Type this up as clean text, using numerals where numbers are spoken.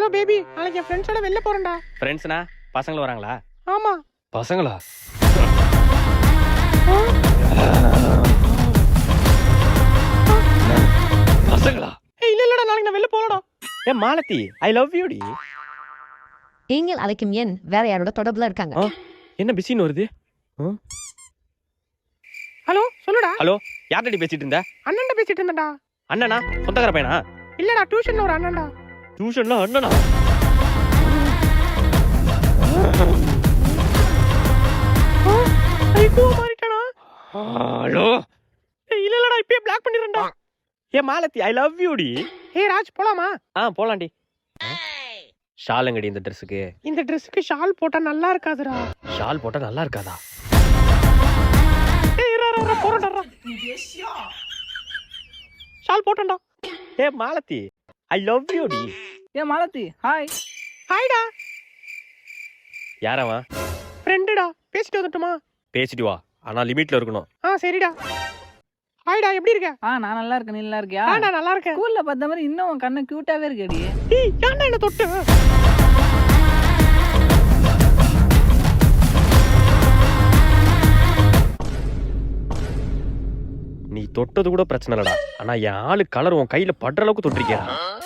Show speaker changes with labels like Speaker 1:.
Speaker 1: Hello baby, நாளைக்கு என் ஃப்ரெண்ட்ஸோட வெளில போறேன்டா.
Speaker 2: ஃப்ரெண்ட்ஸ்னா பசங்களும் வராங்களா?
Speaker 1: ஆமா.
Speaker 2: பசங்களா? பசங்களா?
Speaker 1: இல்லடா, நாளைக்கு நான் வெளில போறேன்டா.
Speaker 2: மாலதி, ஐ லவ் யூ டி.
Speaker 3: நீங்கள் அழைக்கும் எண் வேற யாரோட தொடர்புல இருக்காங்க.
Speaker 2: என்ன பிஸின்னு வருது?
Speaker 1: ஹலோ, சொல்லுடா.
Speaker 2: ஹலோ, யார்கிட்ட பேசிட்டு இருந்த?
Speaker 1: அண்ணன்ட்ட பேசிட்டு இருந்தேன்டா.
Speaker 2: அண்ணனா? சொந்தக்கார பையனா?
Speaker 1: இல்லடா, டியூஷன்ல ஒரு அண்ணன்டா.
Speaker 2: டியூஷன்ல அண்ணனா?
Speaker 1: ஐயோ, மாறிட்டானா?
Speaker 2: ஹலோ.
Speaker 1: இல்லடா, இப்பயே பிளாக் பண்ணிரேன்டா.
Speaker 2: மாலதி, ஐ லவ் யூ டி.
Speaker 1: ராஜ், போலாமா?
Speaker 2: போலாண்டி. ஷாலுங்கடி இந்த ட்ரெஸ்ஸுக்கு.
Speaker 1: இந்த ட்ரெஸ்ஸுக்கு ஷால் போட்டா நல்லா இருக்காதுடா.
Speaker 2: ஷால் போட்டா நல்லா இருக்காதா?
Speaker 1: போறேன்டா. ஷால் போட்டேன்டா.
Speaker 2: மாலதி, ஐ லவ் யூ டி.
Speaker 1: மாலதி, ஹாய். ஹாய்டா.
Speaker 2: யாரவன்?
Speaker 1: ஃப்ரெண்டுடா. பேசிட்டு வந்துட்டுமா?
Speaker 2: பேசிட்டு வா, ஆனா லிமிட்ல இருக்கணும்.
Speaker 1: சரிடா. ஹாய்டா, எப்படி இருக்க?
Speaker 4: நான் நல்லா இருக்கேன். நீ நல்லா இருக்கியா?
Speaker 1: நான் நல்லா இருக்கேன்.
Speaker 4: ஸ்கூல்ல பார்த்த மாதிரி இன்னும் உன் கண்ணு கியூட்டாவே இருக்கடி.
Speaker 1: ஏன்டா என்ன தொட்டு?
Speaker 2: நீ தொட்டது கூட பிரச்சனை இல்லடா, ஆனா என் ஆளு கலர் உன் கையில படுற அளவுக்கு தொட்டிருக்கியா?